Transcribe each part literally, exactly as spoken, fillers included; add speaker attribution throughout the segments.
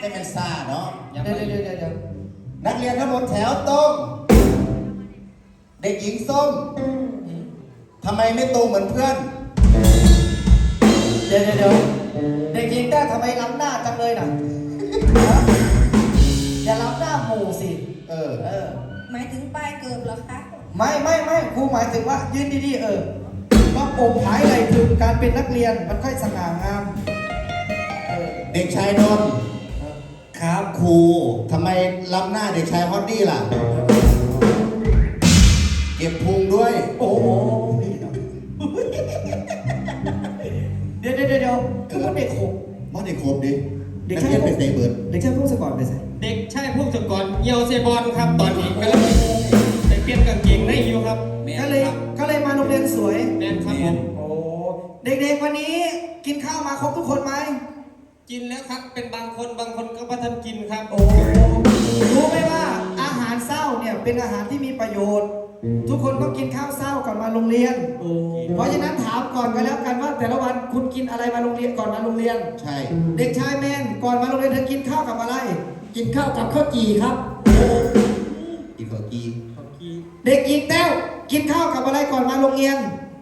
Speaker 1: จะเป็นซ่าเนาะ
Speaker 2: เดี๋ยวเดี๋ยวเดี๋ยวเดี๋ยว
Speaker 1: นักเรียนทั้งหมดแถวตรงเด็กหญิงส้มทำไมไม่ตรงเหมือนเพื่อน
Speaker 2: เดี๋ยวเดี๋ยวเดี๋ยวเด็กหญิงแต้ทำไมล้ำหน้าจังเลยน่ะอย่าล้ำหน้าหมู่สิ
Speaker 1: เออ
Speaker 2: เออ
Speaker 3: หมายถึงป้ายเกิบเหรอคะ
Speaker 2: ไม่ไม่ไม่ครูหมายถึงว่ายืนดีๆเออต้องอกผายไหลถึงการเป็นนักเรียนมันค่อยสง่างามเออ
Speaker 1: เด็กชายนนท์ครับครูทำไมล้ำหน้าเด็กชายฮอตดี้ล่ะเก็บพุงด้วย
Speaker 2: โอ้โหเดี๋ยวเดี๋ยวเดี๋ยวคือว่าเด็กขบ
Speaker 1: ว่าเด็กขบดิ
Speaker 2: เด็กชาย
Speaker 1: เป็นเตะเบิร์ด
Speaker 2: เด็กชายพวกสกอตไปใส่
Speaker 4: เด็กชายพวกสกอตเยาวเซบอลครับตอนนี้กำลังไปเปลี่ยนกางเกงในอยู่ครับ
Speaker 2: ก็เลยก็เลยมาโรงเรียนสวย
Speaker 4: แมนครับผม
Speaker 2: โอ้เด็กๆวันนี้กินข้าวมาครบทุกคนไหม
Speaker 4: กินแล้วครับเป็นบางคนบางคนก็ไม่ทันกินครับ
Speaker 2: โอ้รู้ไหมว่าอาหารเศร้าเนี่ยเป็นอาหารที่มีประโยชน์ทุกคนต้องกินข้าวเศร้าก่อนมาโรงเรียนเพราะฉะนั้นถามก่อนกันแล้วกันว่าแต่ละวันคุณกินอะไรมาโรงเรียนก่อนมาโรงเรียน
Speaker 1: ใช่
Speaker 2: เด็กชายแมนก่อนมาโรงเรียนเธอกินข้าวกับอะไรกินข้าวกับข้าวจี่ครับ
Speaker 1: กินข้าวจี่
Speaker 2: เด็กหญิงแต้วกินข้าวกับอะไรก่อนมาโรงเรียน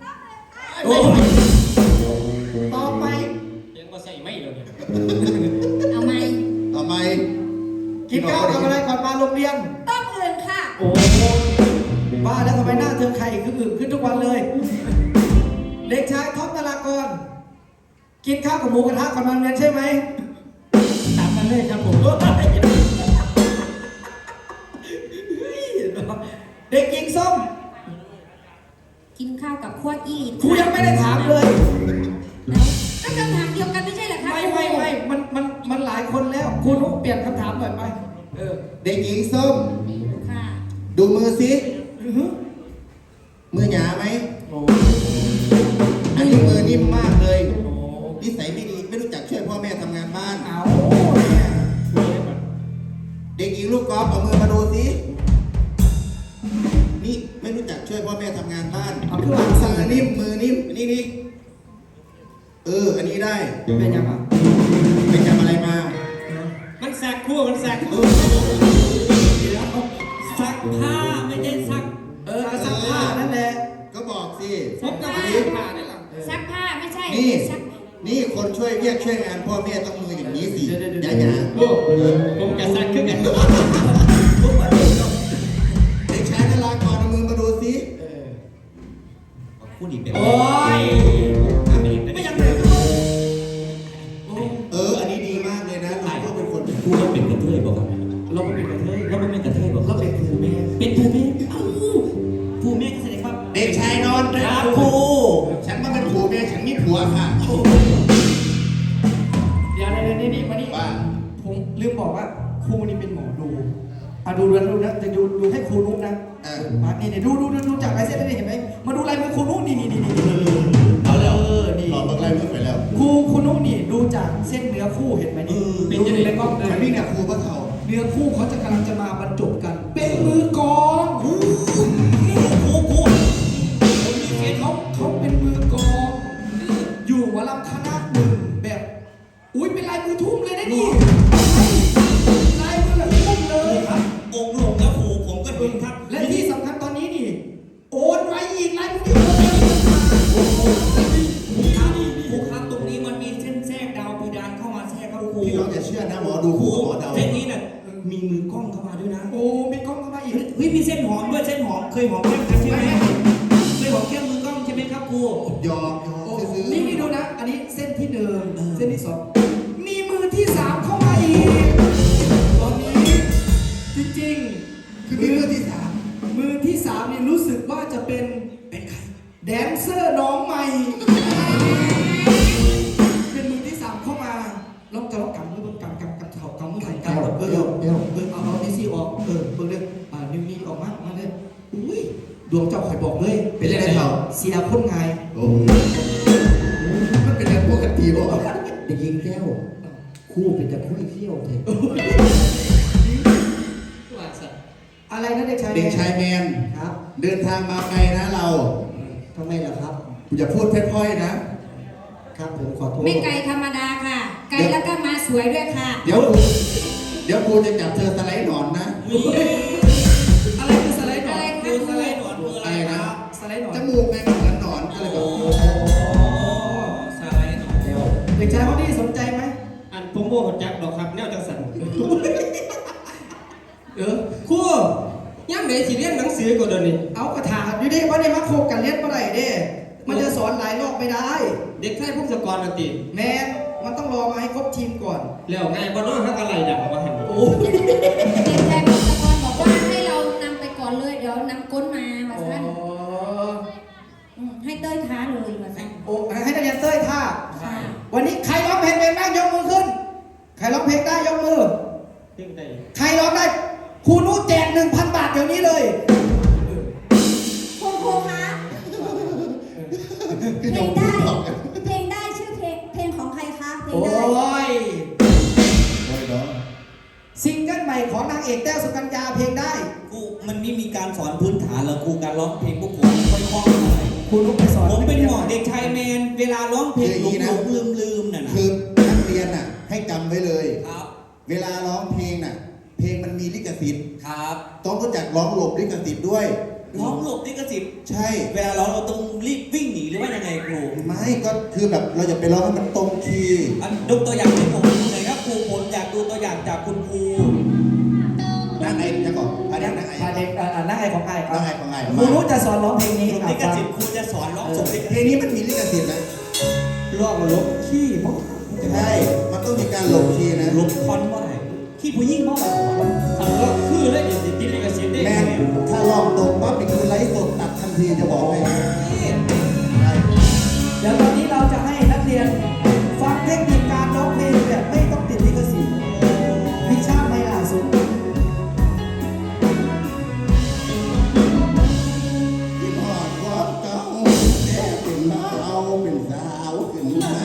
Speaker 2: ต่อไป
Speaker 4: ยังก็ใส่ไม่เลย
Speaker 3: เอาไหม
Speaker 1: เอาไหม
Speaker 2: กินข้าวกับอะไรก่อนมาโรงเรียน
Speaker 3: ต้องเอื่นค่ะ
Speaker 2: โอ้บ้าแล้วทำไมหน้าเธอไข่คืออึขึ้นทุกวันเลยเด็กชายท็อปนารากรกินข้าวกับหมูกระทะก่อนมาโรงเรียนใช่ไหม
Speaker 4: ตามกันเลยครับผม
Speaker 2: เด็กหญิงส้ม
Speaker 3: กินข้าวกับขั้วอี
Speaker 2: ครูยังไม่ได้ถามเลย
Speaker 3: ก็คำถามเดียวกันไม่ใช่เหรอคะ
Speaker 2: ไม่ไม่ไม่มันมันมันหลายคนแล้วครูนุ๊กเปลี่ยนคำถามหน่อยไปเออ
Speaker 1: เด็กหญิงส้ม
Speaker 3: ค่ะ
Speaker 1: ดูมือสิมือหยาไหมอันนี้มือนิ่มมากเลยนิสัยไม่ดีไม่รู้จักช่วยพ่อแม่ทำงานบ้าน
Speaker 2: เอา
Speaker 1: เด็กหญิงลูกกอล์ฟเอามือมาดูสินี่ไม่รู้จักช่วยพ่อแม่ทำงานบ้าน
Speaker 2: เอาเพื่อมื
Speaker 1: อนิ่มมือนิ่มนี่นี่เอออันนี้ได้
Speaker 2: เป็นยังไง
Speaker 1: เป็นจำอะไรมา
Speaker 4: มันแสกคู่มันแสกคู่ซักผ้าไม่ใช่ซัก
Speaker 2: เออซักผ้านั่นแหละ
Speaker 1: ก็บอกสิ
Speaker 4: ซักผ้านี่แหละ
Speaker 3: ซักผ้าไม่ใช่
Speaker 1: นี่นี่คนช่วยเรียกช่วยงานพ่อแม่ต้องมืออย่างนี้สิอย่าอย่า
Speaker 4: ผมจะซักขึ้นกัน
Speaker 1: เด็กชายนารากรเอามือมาดูสิพูดอีกแบบ
Speaker 2: โอ้ยไม่ยังเลย
Speaker 1: เอออันนี้ดีมากเลยนะเราก็เป็นคน
Speaker 4: พูดเราเป็นกระเทยบอกครับ
Speaker 2: เราเป็นกระเทย
Speaker 4: เราเป็นกระเทยบอก
Speaker 2: เราเป็นครูแม่
Speaker 4: เป็นครูแม่เอ้าครูแม่ก็แสดงว่า
Speaker 1: เด็กชายนนท์ครับครูฉันมาเป็นครูแม่ฉันมีผัวค่ะ
Speaker 2: เดี๋ยวในนี่นี่มานี่ผมลืมบอกว่าครูนี่เป็นหมอดูอ่ะดูดูดูนะจะดูดูให้ครูนุ๊กนะ
Speaker 1: เออ
Speaker 2: มานี่นี่ดูดูดูดูจากลายเส้นนี่เห็นไหมมาดูลายมือครูนุ๊กนี่นี่นี่นี่
Speaker 1: เอาแล้วนี่หลอดบังไลมือไปแล้ว
Speaker 2: ครูครูนุ๊กนี่ดูจากเส้นเนื้อคู่เห็นไหมนี่
Speaker 1: เป็นยังไงในกล้องเลยนี่เนี่ยครูพระเขา
Speaker 2: เนื้อคู่เขาจะกำลังจะมาบรรจบกันเป็นมือกองครูครูครูเขาเขาเป็นมือกองอยู่หัวลำคณะหนึ่งแบบอุ้ยเป็นลายมือทุ่มเลยนะนี่ลายมือแบบทุ่มเลยครับ
Speaker 4: องค์หลวงแล้วครูผมก็ดูครับ
Speaker 2: และที่สำคัญตอนนี้นี่โอนไว้อีกลายมือที่โอน
Speaker 4: ครูครับตรงนี้มันมีเส้นแทรกดาวเพดานเข้ามาแทรกครับครู
Speaker 1: พี่น้องอย่าเชื่อนะหมอดูครูหมอดาว
Speaker 4: เส้นนี้น่ะมีมือกล้องเข้ามาด้วยนะ
Speaker 2: โอ้มีกล้องเข้ามาอีก
Speaker 4: เฮ้ยมีเส้นหอมด้วยเส้นหอมเคยหอมแก้มกันใช่ไหมเคยหอมแก้มมือกล้องใช่ไหมครับครู
Speaker 1: ยอมยอม
Speaker 2: นี่นี่ดูนะอันนี้เส้นที่หนึ่งเส้นที่สองมีมือที่สามเข้ามาอีกตอนนี้จริงๆ
Speaker 1: คือมือที่สาม
Speaker 2: มือที่สามนี่รู้สึกว่าจะเป็นเป็นใครแดนเซอร์น้องใหม่เป็นมือที่สามเข้ามาลองจะลองกำมือบนกำกำกำเข่ากำมือไหล่กำเออเออเออเอาเอาที่ซี่ออกเออเบิ่งเด้ออ่านิ้วนี้ออกมามาเลยอุ้ยดวงเจ้าข่อยบอกเลย
Speaker 1: เป็นยังไงเถ่า
Speaker 2: เสียคนไง
Speaker 1: โอ้มันเป็นเรื่องปกติบ่
Speaker 2: เด็กหญิงแก้วคู่เป็นจะคู่เที่ยวเถอะอะไรนะเด็กชาย
Speaker 1: เด็กชายแมน
Speaker 2: ครับ
Speaker 1: เดินทางมาไกลนะเรา
Speaker 2: ทำไมล่ะครับ
Speaker 1: อย่าพูดพร่อยๆนะ
Speaker 2: ครับผมขอโทษ
Speaker 3: ไม่ไกลธรรมดาค่ะ ไกลแล้วก็มาสวยด้วยค่ะ
Speaker 1: เดี๋ยวกูเดี๋ยวกูจะจับเธอสไลด์หนอนนะ
Speaker 2: อะไรคือสไลด์หนอน
Speaker 3: อะไรคะ
Speaker 2: คือสไลด์หนอนคืออะไรครับสไลด์หนอน
Speaker 1: จมูกไงมันเหมือนหนอนก็เลยแบบ
Speaker 2: สไลด์หนอนเดี๋ยวเด็กชายคนนี้สนใจไหม
Speaker 4: อันผมโมโหจักดอกครับแนวจังสัน
Speaker 2: เออ
Speaker 4: ครูย่ำไหนสิเรียนหนังสือก็เดี๋ยวนี้
Speaker 2: เอากระถางอยู่ดิว่าได้มาโคกกันเล่นเมื่อไหร่เด้มันจะสอนหลายรอบไม่ได้
Speaker 4: เด็กชายพงศกรน่ะติ
Speaker 2: แมนมันต้องรอมาให้ครบทีมก่อน
Speaker 4: แล้วไงบ่น้อฮักอะไรดังว่าหั่น
Speaker 2: โอ้
Speaker 3: เด็กชายพงศกรบอกว่าให้เรานำไปก่อนเลย เดี๋ยวนำก้นมาว่าสั้นอืมให้เต้ยท้าเลยว่าสั้น
Speaker 2: โอ้ให้นักเรียนเต้ยท่า
Speaker 3: ค่ะ
Speaker 2: วันนี้ใครร้องเพลงเป็นบ้างยกมือขึ้น ใครร้องเพลงได้ยกมือ
Speaker 4: เรื่องใด
Speaker 2: ใครร้องได้ครูนุแจกหนึ่งพันบาทเดี๋ยวนี้เลย
Speaker 5: คุณครูคะเพลงได้เพลงได้ชื่อเพลงเพลงของใครคะเพลง
Speaker 2: โอ้
Speaker 5: ได้
Speaker 2: ย
Speaker 1: โอ้ยเนาะ
Speaker 2: ซิงเกิลใหม่ของนางเอกแต้วสุกัญญาเพลงได้
Speaker 6: ครูมันไม่มีการสอนพื้นฐานหรอกครูการร้องเพลงพวกผมไม่ค่อยคล่องเท่าไหร่
Speaker 2: ครูนุไปสอน
Speaker 6: ผมเป็นหมอเด็กชายแมน เวลาร้องเพลงหลงหลงลืมลืมน่ะนะ
Speaker 1: คือนักเรียนน่ะให้จำไว้เลย
Speaker 6: ครับ
Speaker 1: เวลาร้องเพลงน่ะ เพลงมันมีลิขสิทธิ์
Speaker 6: ครับ
Speaker 1: ต้องรู้จักร้องหลบลิขสิทธิ์ด้วย
Speaker 6: ร้องหลบลิขสิทธิ์
Speaker 1: ใช่
Speaker 6: เวลาร้องเราต้องรีบวิ่งหนีหรือว่ายังไงครู
Speaker 1: ไม่ก็คือแบบเราจะไปร้องให้มันตรงคีย์
Speaker 6: อันยกตัวอย่างให้ผมดูหน่อยครับครูผมอยากดูตัวอย่างจากคุณครู
Speaker 1: นั่งไอ้จะก่อนอันนี้นั่งไอ้
Speaker 2: พาเด็กอ่านั่งไอของไอครั
Speaker 1: นั่
Speaker 2: บ
Speaker 1: งไอ้ของไอ้
Speaker 2: ครูนุจะสอนร้องเพลงนี้
Speaker 6: หลบ
Speaker 2: อ่ะ
Speaker 6: ลิข
Speaker 2: ฟัง
Speaker 6: สิทธิ์ครูจะสอนร้องสมลิข
Speaker 1: เพล
Speaker 6: สิ
Speaker 1: ง
Speaker 6: ทธิ์
Speaker 1: นี้มันมีลิขสิทธิ์นะ
Speaker 2: ร้องลบขี้มก
Speaker 1: ใช่ มันต้องมีการหลบคีย์นะ
Speaker 6: หลบคอนว่าไหนขี้ผู้ยิ่งมาก
Speaker 4: คันก็คือเลยสิติดลิขสิทธิ์ได้
Speaker 1: แม่
Speaker 4: ไง
Speaker 1: งถ้าลองตรงปั๊บนี่คือไลฟ์สดตัดทันทีจะบอกให้ใช่
Speaker 2: เดี๋ยวตอนนี้เราจะให้นักเรียนฟังเทคนิคการร้องเพลงแบบไม่ต้องติดลิขสิทธิ์พิชชาติไม่ล่าสุด
Speaker 1: ที่นอนความเก่าแต่เป็นเบาเป็นสาวขึ้นไหม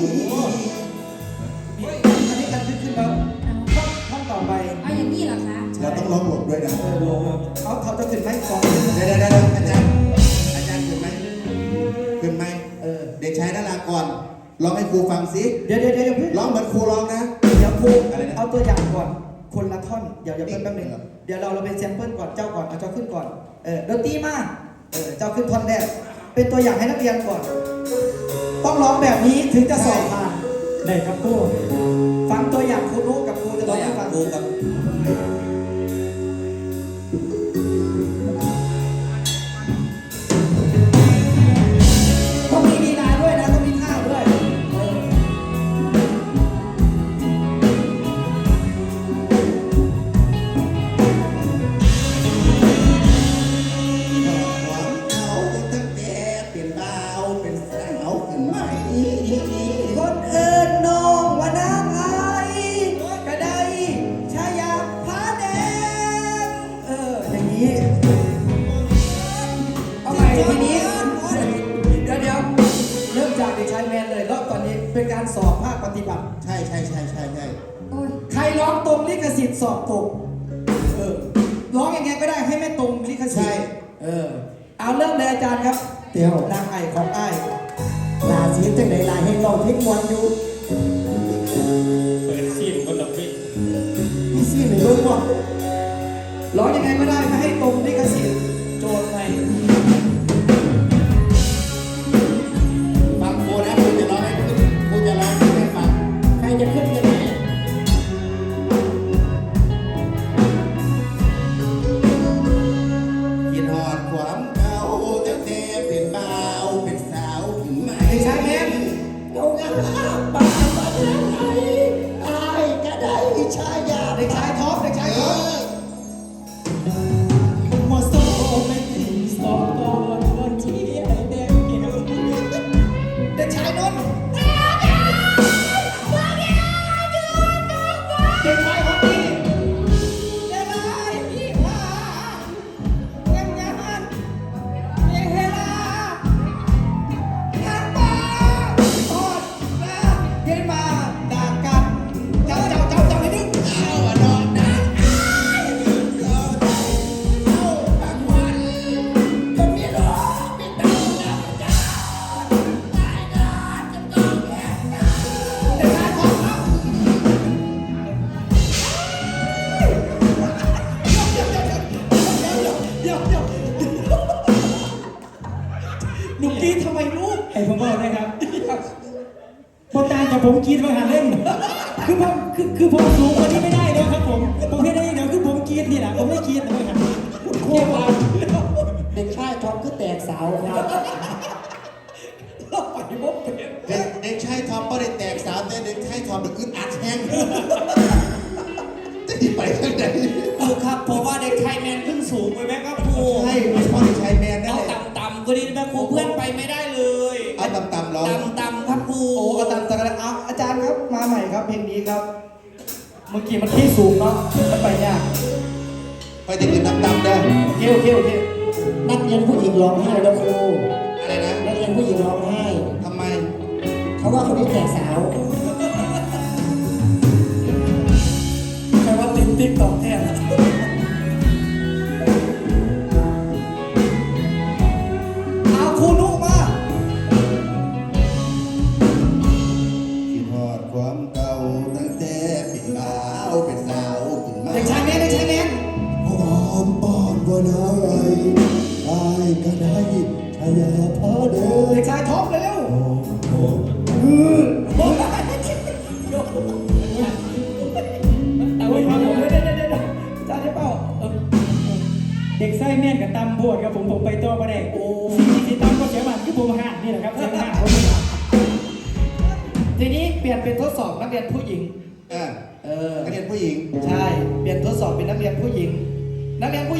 Speaker 2: อันนี้กันขึ้นแล้วท่อนท่อนต่อไป
Speaker 3: เอาอย่างนี้เหรอคะ
Speaker 1: เราต้องร้องหลบด้วยนะ
Speaker 2: เขาเขาจะขึ้นไหมกอง
Speaker 1: เดี๋ยวเดี๋ยวเดี๋ยวอาจารย์อาจารย์ขึ้นไหมขึ้นไหม
Speaker 2: เออ
Speaker 1: เด็กชายนารากรร้องให้ครูฟังสิ
Speaker 2: เดี๋ยวเดี๋ยวเดี๋ยวเพิ่ง
Speaker 1: ร้องเหมือนครูร้องนะ
Speaker 2: เดี๋ยวครู
Speaker 1: อะไรนะ
Speaker 2: เอาตัวอย่างก่อนคนละท่อนเดี๋ยวเดี๋ยว
Speaker 1: นี่
Speaker 2: เพิ่งแป๊บนึง
Speaker 1: เหรอ
Speaker 2: เดี๋ยวเราเราเป็นแซมเปิลก่อนเจ้าก่อนเอาเจ้าขึ้นก่อนเออดนตรีมาเออเจ้าขึ้นท่อนแรกเป็นตัวอย่างให้นักเรียนก่อน ต้องร้องแบบนี้ถึงจะสอบผ่านได้ครับครูฟังตัวอย่างครูรู้กับครูจะ
Speaker 6: ตั
Speaker 2: ร้
Speaker 6: ว
Speaker 2: อง
Speaker 6: อย่า
Speaker 2: ให้
Speaker 6: ง
Speaker 2: ฟัง
Speaker 6: ครูกับ
Speaker 2: ต้องมีลีลาด้วยนะต้องมีท่าด้วยเออ
Speaker 1: ความเก่าตั้งแต่เป็นเบาเป็นสาวขึ้นไหม
Speaker 2: คนเอิญน้องว่านางไอกระไดชายาผาแดงเอออย่างนี้เอาใหม่ทีนี้เดี๋ยวเดี๋ยวเริ่มจากเด็กชายแมนเลยรอบตอนนี้เป็นการสอบภาคปฏิบัติ
Speaker 1: ใช่ใช่ใช่ใช่ใช่
Speaker 3: โอ้ย
Speaker 2: ใครร้องตรงลิขสิทธิ์สอบตกเออร้องยังไงก็ได้ให้ไม่ตรงลิขสิทธิ์เออเอาเริ่มเลยอาจารย์ครับเดี๋ยวนางไอของไอ
Speaker 7: ลาชีพจังไดลาให้เราพิกมวนอยู่
Speaker 4: เปิดซีนคนละพี่
Speaker 7: พี่ซี่หนึ่งเบิ่งบ่
Speaker 2: ร้องยังไงก็ได้ไม่ให้ตรงลิขสิทธิ์โจทย์ใหม่
Speaker 1: ฟังครูนะครูจะร้องให้ครูจะร้องให้ฟัง
Speaker 7: ใครจะขึ้นกันแน่
Speaker 1: กินหอดความเก่าตั้งแต่เป็นเบาเป็นสาวขึ้นไหม
Speaker 2: เด็กชายแมน
Speaker 7: เอางาปากมาแล้วไอ้อายก็ได้ชายา
Speaker 2: เด็กชายท็อปเด็กชายท็อป
Speaker 7: มาโซไม่ถึงสองตอนวันที่ไอ้แดงเกี่ยว
Speaker 2: เด็กชายนนท์เด็กชายฮอตตี้เด็กชายพี่ว่าเงี้ยเงี้ยมันเงี้ยเฮลาทักมาทอดมาเย็นมาด่ากันเจ้าเจ้าเจ้าเจ้าไม่ดิ้งเอาอะนอนนะ
Speaker 1: เ
Speaker 8: ผมกินมาหันเล่นคือผมคือคือผมสูงกว่านี้ไม่ได้เลยครับผมผมไม่ได้เดี๋ยวคือผมกินนี่แหละผมไม่กินเลยครับ
Speaker 7: คุณครูมาเด็กชายทอมก็แตกสาวครับ
Speaker 2: เราไปบ่เป็น
Speaker 1: เด็กเด็กชายทอมก็ได้แตกสาวแต่เด็กชายทอมเด็กอึดอัดแห้งจะหนีไปทางไหน
Speaker 6: ครูครับผมว่าเด็กชายแมนขึ้นสูงไปไหมครับครู
Speaker 1: ใช่ไม่พอเด็กชายแมนนั่น
Speaker 6: เอา
Speaker 1: แหละ
Speaker 6: ต่ำๆก็ดีนะครูเพื่อนไปไม่ได้เลย
Speaker 1: เอาต่ำๆเหรอ
Speaker 6: ต่ำๆครับครู
Speaker 8: โอ้อาจารย์อาจารย์เอาอาจารย์ครับมาใหม่ครับเพลงนี้ครับ เมื่อกี้มันที่สูงเนาะมันไปยาก
Speaker 1: ไปติดติดต่ำๆเด้อ
Speaker 8: โอเคโอเคโอเค
Speaker 7: นักเรียนผู้หญิงร้องไห้แล้วครู
Speaker 1: อะไรนะ
Speaker 7: นักเรียนผู้หญิงร้องไห้
Speaker 1: ทำไม
Speaker 7: เขาว่าคนนี้แตกสาว
Speaker 2: ใครว่าติ๊กติ๊กตอกแทนเอาครูนุมา
Speaker 1: คิดฮอดความเก่าตั้งแต่เป็นบ่าวเป็นสาวขึ้นมา
Speaker 2: เด็กชายแมนเด็กชายแมน
Speaker 7: หอมปอนบ่นายอายก็ได้ชายาพาเดิน
Speaker 2: เด็กชายท็อปเร็ว
Speaker 8: แต่ว่าครับผมเดี๋ยวเดี๋ยวเดี๋ยวอาจารย์ได้เปล่าเออเด็กไส้แม่นกับตำบวดครับผมผมไปตัวประเด็กโอ้ที่ตำก็เสียบัตรคือผมห่านนี่แหละครับเสียห่านผม
Speaker 2: ทีนี้เปลี่ยนเป็นทดสอบนักเรียนผู้หญิง
Speaker 1: อ่ะ
Speaker 2: เออ
Speaker 1: นักเรียนผู้หญิง
Speaker 2: ใช่ เปลี่ยนทดสอบเป็นนักเรียนผู้หญิง นักเรียนผู้